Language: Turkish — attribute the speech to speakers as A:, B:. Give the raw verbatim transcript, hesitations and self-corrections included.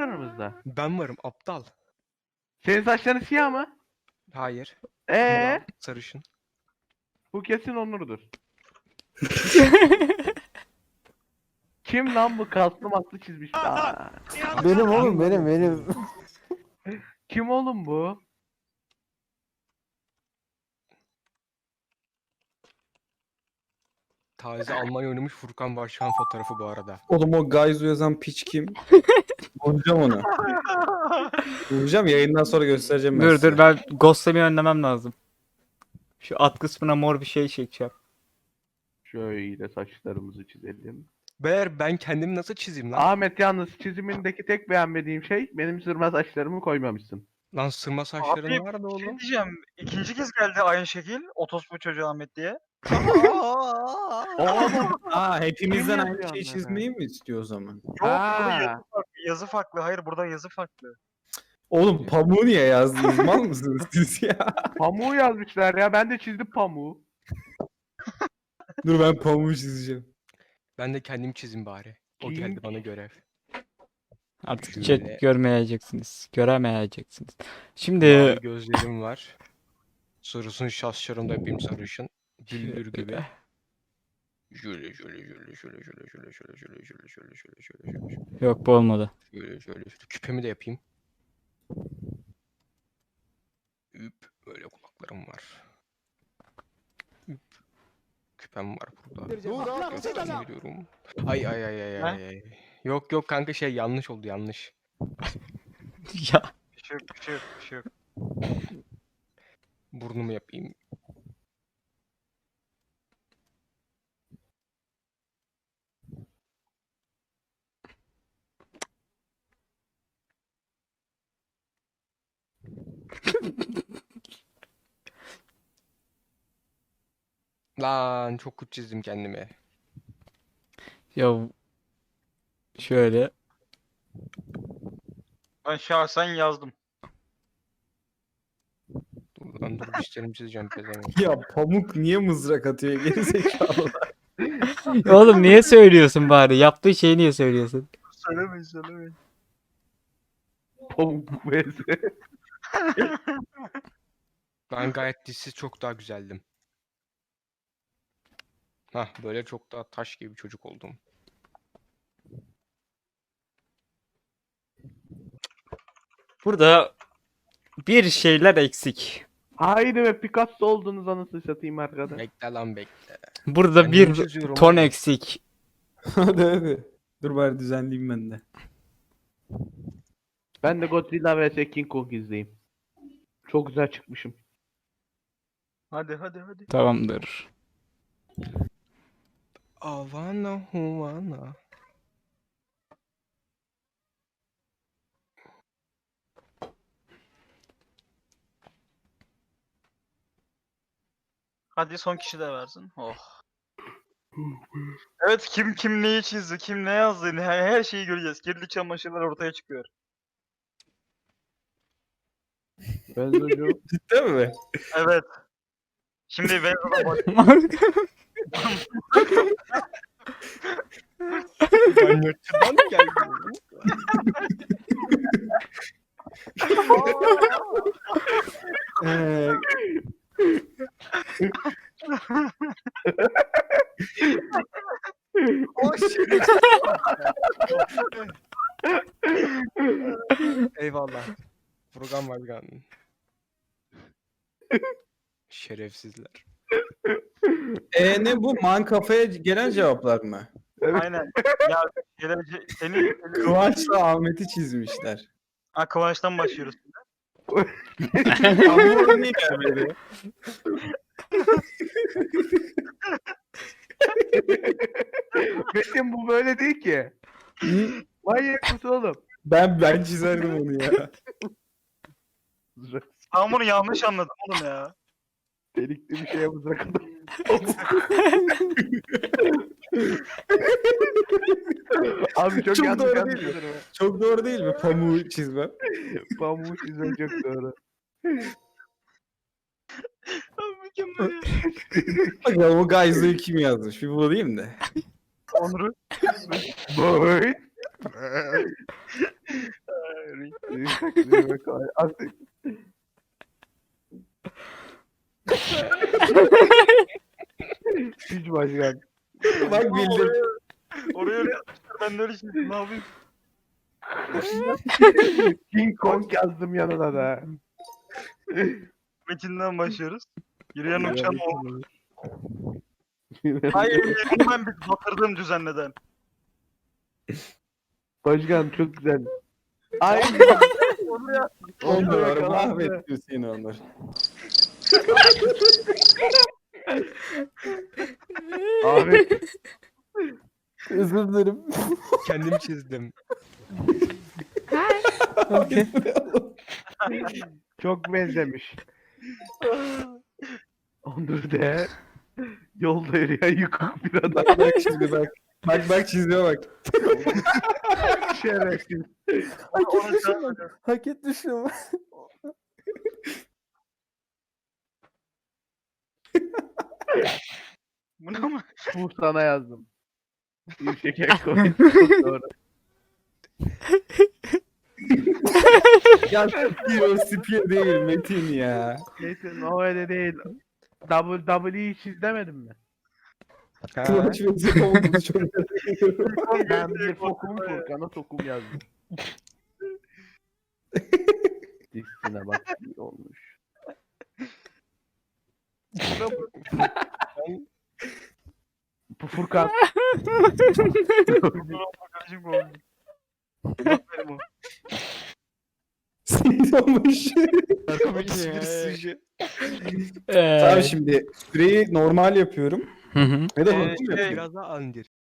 A: aramızda?
B: Ben varım aptal.
A: Senin saçların siyah mı?
B: Hayır.
A: Ee,
B: Ulan, sarışın.
A: bu kesin Onur'dur. Kim lan bu kaslı maslı çizmiş? Aa,
C: Benim oğlum benim benim.
A: kim oğlum bu?
B: Taze Almanya oynamış Furkan Varşan fotoğrafı bu arada.
D: Oğlum o Gaizu yazan piç kim? Vuracağım onu. Vuracağım yayından sonra göstereceğim ben
E: Dur
D: size.
E: dur ben ghostlamayı önlemem lazım. Şu alt kısmına mor bir şey çekeceğim.
A: Şöyle saçlarımızı çizelim.
B: Ber ben kendimi nasıl çizeyim lan?
A: Ahmet yalnız çizimindeki tek beğenmediğim şey benim sırma saçlarımı koymamışsın.
B: Lan sırma saçların
F: Abi,
B: nerede
F: Bir şey
B: oğlum?
F: diyeceğim. İkinci kez geldi aynı şekil. Otospu çocuğu Ahmet diye.
A: Oğlum.
D: Aa hepimizden
A: Kim
D: aynı
A: yazıyor
D: şeyi
A: onları?
D: çizmeyi mi istiyor o zaman?
F: Yok burada yazı
A: Ha.
F: farklı. Yazı farklı. Hayır burada yazı farklı.
D: Oğlum pamuğu niye yazdınız? Mal mısınız siz ya?
A: Pamuğu yazmışlar ya. Ben de çizdim pamuğu.
D: Dur ben pamuğu çizeceğim.
B: Ben de kendim çizeyim bari. O geldi bana görev.
E: Artık
B: Şöyle.
E: chat görmeyeceksiniz. Göremeyeceksiniz. Şimdi
B: Mavi gözlerim var. Sarısın şaşlarım da yapayım sarışın. Güldür gibi. Şöyle şöyle şöyle şöyle şöyle şöyle şöyle şöyle şöyle şöyle şöyle şöyle şöyle
E: yok bu olmadı.
B: şöyle şöyle şöyle küpemi de yapayım. Üp böyle kulaklarım var. Üp küpem var burada. Göstereyim veriyorum. Ay ay ay ay ay ay. Yok yok kanka şey yanlış oldu yanlış.
E: Ya
F: Bir şey yok, bir şey yok, bir şey yok.
B: Burnumu yapayım. Lan çok kötü çizdim kendimi.
E: ya şöyle
F: Ben şahsen yazdım.
B: Dur lan dur dişlerimi çizeceğim pezevenk.
D: Ya pamuk niye mızrak atıyor geri zekalı?
E: oğlum niye söylüyorsun bari? Yaptığı şeyi niye söylüyorsun?
F: Söylemeyin, söylemeyin.
A: Pamuk bezi.
B: Ben gayet dişsiz çok daha güzeldim. Hah böyle çok daha taş gibi bir çocuk oldum.
E: Burada bir şeyler eksik.
A: Haydi be Picasso oldunuz anasını satayım arkada.
B: Bekle lan bekle.
E: Burada
B: Ben
E: bir
B: niye çiziyorum
E: ton
B: oğlum?
E: eksik.
D: Hadi hadi. Dur bari düzenleyeyim ben de.
A: Ben de Godzilla vs King Kong izleyeyim. Çok güzel çıkmışım.
F: Hadi hadi hadi.
E: Tamamdır.
B: Havana Havana.
F: Hadi son kişi de versin. Oh. Evet kim kim neyi çizdi, kim ne yazdı, her, her şeyi göreceğiz. Kirli çamaşırlar ortaya çıkıyor.
A: Ben çocuğum.
D: Cidden mi?
F: Evet. Şimdi Venzo'da bak.
B: Ben yurtçıdan geldim.
D: Ee,
B: O şey. Eyvallah. Program var. Şerefsizler.
D: e, ne bu? Man kafaya gelen cevaplar mı?
F: Aynen. Ya gelece, seni, seni...
D: Kıvanç'la Ahmet'i çizmişler.
F: Ha, Kıvanç'tan başlıyoruz.
D: Ama orada niye gelmedi?
A: Metin bu böyle değil ki. Manyak mısın oğlum?
D: Ben ben çizerdim onu ya.
F: Ben bunu yanlış anladım oğlum ya.
A: Delikli bir şeye mızrak adam. Abi çok,
D: Çok
A: yanlış
D: doğru
A: yanlış
D: değil mi?
A: yanlış.
D: Çok doğru değil mi pamuğu çizmem?
A: Pamuğu çizmek çok doğru.
F: Mükemmel.
D: Bakalım o Gaizu'yu kim yazmış? Bir bulayım da.
F: Onur'u.
A: Boy. Demek o- Artık. Hiç başkan.
D: Bak bildim.
F: Oraya öyle yapmışlar. Ben de öyle şey ne yapayım?
A: King Kong yazdım yanına da.
F: Metinden başlıyoruz. Yürüyen uçan o. Hayır, onu ben bir batırdım düzenleden.
A: Başkan çok güzel. Ay. Onu ya.
D: On numara
A: yakalandı.
D: mahvetti Hüseyin Onur.
A: Abi
C: Özür dilerim.
B: Kendim çizdim.
A: çok benzemiş. Onur de yolda yürüyen yıkık bir adam.
D: Bak şimdi bak. Bak bak çiziyor bak.
A: Şerefsiz.
C: Hak
F: Onu
C: etmişim
F: sen-
C: bak. Hak etmişim.
F: Bu ne ama?
A: Bu sana yazdım. Bir şeker koy. Çok doğru.
D: Ya Spear o Spear değil Metin ya.
A: Neyse o öyle değil. W W hiç izlemedin mi?
B: Ha.
D: Kıvanç ve Zipomuz'u çok seviyorum.
A: Ben bir fokum Furkan'a sokum yazdım. Dizisine bak iyi olmuş. Bu Furkan.
F: Kardeşim bu oldu. Bak benim o.
D: Sinir olmuş.
B: Bir sürü.
E: Ee,
D: Tamam şimdi süreyi normal yapıyorum.
E: Hı hı.
D: Ne de
F: Ee,
D: hızlı mı
F: şey,
D: yapıyorum?
B: Biraz daha andir.